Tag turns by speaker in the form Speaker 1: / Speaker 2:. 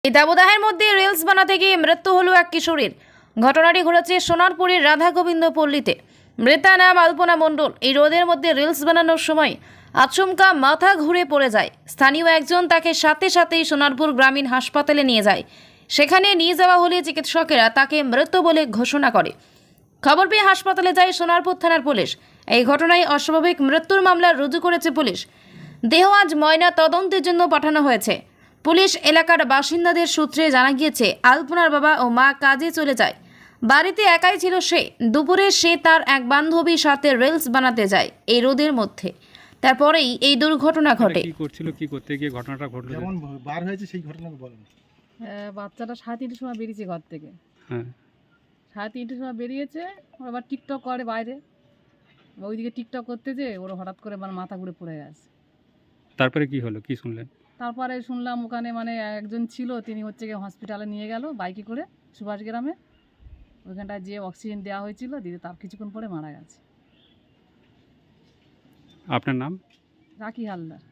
Speaker 1: এই দাবদাহের মধ্যে রিলস বানাতে গিয়ে মৃত্যু হলো এক কিশোরীর। ঘটনাটি ঘটেছে সোনারপুরের রাধা গোবিন্দ পল্লীতে। মৃতা নাম আলপনা মণ্ডল। এই রোদের মধ্যে রিলস বানানোর সময় আচমকা মাথা ঘুরে পড়ে যায়। স্থানীয় একজন তাকে সাথে সাথেই সোনারপুর গ্রামীণ হাসপাতালে নিয়ে যায়। সেখানে নিয়ে যাওয়া হলে চিকিৎসকেরা তাকে মৃত বলে ঘোষণা করে। খবর পেয়ে হাসপাতালে যায় সোনারপুর থানার পুলিশ। এই ঘটনায় অস্বাভাবিক মৃত্যুর মামলা রুজু করেছে পুলিশ। দেহ আজ ময়না তদন্তের জন্য পাঠানো হয়েছে। পুলিশ এলাকার বাসিন্দাদের সূত্রে জানা গিয়েছে, আলপনার বাবা ও মা কাজে চলে যায়। বাড়িতে একাই ছিল সে। দুপুরে সে তার এক বান্ধবীর সাথে রিলস বানাতে যায় এই রোদের মধ্যে। তারপরেই এই দুর্ঘটনা ঘটে।
Speaker 2: কি করছিল, কি করতে গিয়ে ঘটনাটা ঘটলো?
Speaker 3: যেমন বার হয়েছে সেই ঘটনা বলেন।
Speaker 4: বাচ্চাটা 3:30টার সময় বেরিয়েছে ঘর থেকে।
Speaker 2: হ্যাঁ,
Speaker 4: 3:30টার সময় বেরিয়েছে। ও আবার টিকটক করে বাইরে। ওইদিকে টিকটক করতে যেয়ে ওর হঠাৎ করে মাথা ঘুরে পড়ে গেছে।
Speaker 2: তারপরে কি হলো, কি শুনলেন?
Speaker 4: তারপরে শুনলাম ওখানে একজন ছিল, তিনি হচ্ছে গিয়ে হসপিটালে নিয়ে গেল বাইকে করে সুভাষ গ্রামে। ওইখানটায় যে অক্সিজেন দেওয়া হয়েছিল, দিয়ে তার কিছুক্ষণ পরে মারা গেছে।
Speaker 2: আপনার নাম?
Speaker 4: রাখি হালদার।